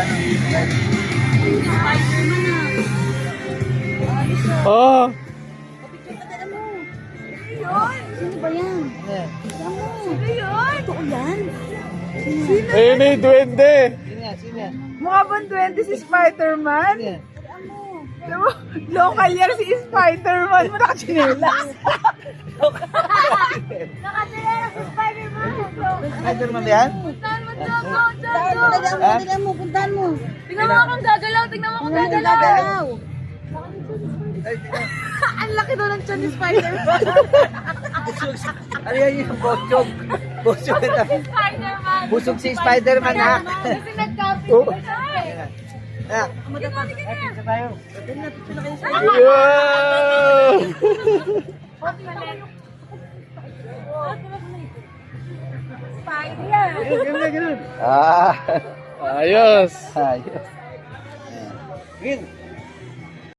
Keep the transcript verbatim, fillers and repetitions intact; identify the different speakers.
Speaker 1: Oh!
Speaker 2: Sino ba yan? Sino mo? Sino yun? Totoo yan? Sino?
Speaker 1: Ayun na yung duwende.
Speaker 3: Mukha bang twenty si Spider-Man? Alam mo, local year si Spider-Man mo nakachinelas.
Speaker 2: Nakatilera si Spider-Man.
Speaker 4: Spider-Man ba yan?
Speaker 2: Puntahan mo, Jogo, Jogo.
Speaker 3: Puntahan mo, puntahan mo, puntahan mo.
Speaker 2: Tingnan mo akong gagalaw, tingnan mo akong gagalaw.
Speaker 3: Ang laki daw ng tiyan ni Spider-Man.
Speaker 4: Ano yan yung bosog? Bosog ito.
Speaker 2: Spider-Man.
Speaker 4: Busog si Spider-Man, ha?
Speaker 2: Kasi nag-copy
Speaker 4: Oh.
Speaker 2: siya eh.
Speaker 4: Ah,
Speaker 1: Wow!
Speaker 2: Spider.
Speaker 4: ah.
Speaker 1: Ayos!
Speaker 4: Ayos. Green.